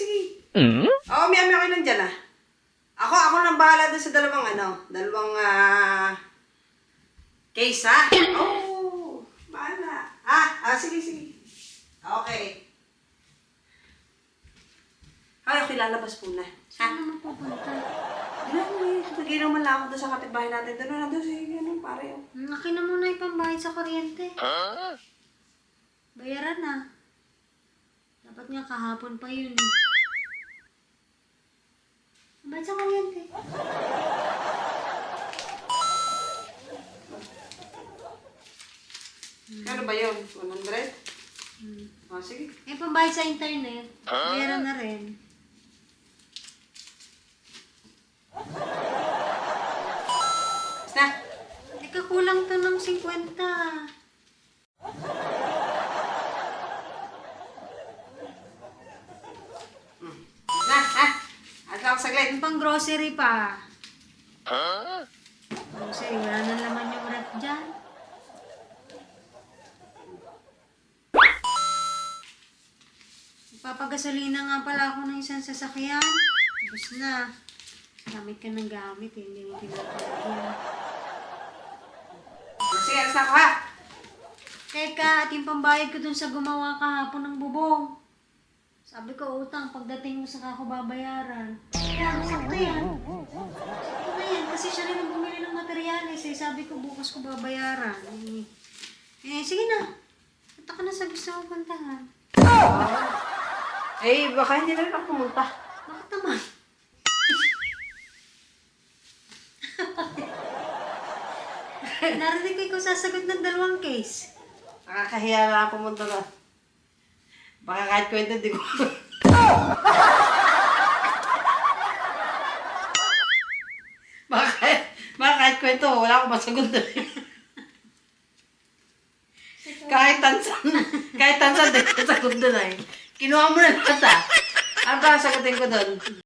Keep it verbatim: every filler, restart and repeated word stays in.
sige. Mm? Oo, may ami ako nandyan ah. Ako, ako nang bahala doon sa dalawang ano, dalawang ah... case ha? Oo, bahala. Ah, ah, sige, sige. Okay. Ay, okay, lalabas muna. Saan naman pupunta? Hindi na, may bigay naman lang ako doon sa kapitbahay natin. Doon na doon, sige, ano, pare. Oh. Laki na muna yung pambayad sa kuryente. Bayaran na. Dapat nga kahapon pa yun. eh. Bayad sa kuryente. Ano ba yun? one hundred? Hmm. Oh, sige. Eh, pambayad sa internet. Bayaran na rin. Basta. Teka, kulang to ng fifty. Na, ha? At ako saglit. Yung pang grocery pa. Grocery, wala na laman yung ref dyan. Papagasolina nga pala ako ng isang sasakyan. Tapos na. Gamit ka ng gamit eh. Hindi mo pinapalagyan. Sige, alas na ako ha? Teka, at yung pambayad ko dun sa gumawa kahapon ng bubong. Sabi ko, utang, pagdating mo sa kako babayaran. Kaya, sakto yan. Sakto na yan, kasi siya rin ang bumili ng materyales eh. Sabi ko, bukas ko babayaran. Eh, eh sige na. Punta ka na sa gusto mo puntahan. Eh, baka hindi na rin ako pumunta. Bakit naman? Narinig ko ikaw sasagot ng dalawang case. Nakakahiya na ako pumunta na. Baka kahit kwento, di ko. baka, kahit, baka kahit kwento, wala akong masagot na rin. kahit tansan, kahit tansan, di ko sagot doon ay. Kinuha mo na lahat ah. Ano ba sagutin ko doon?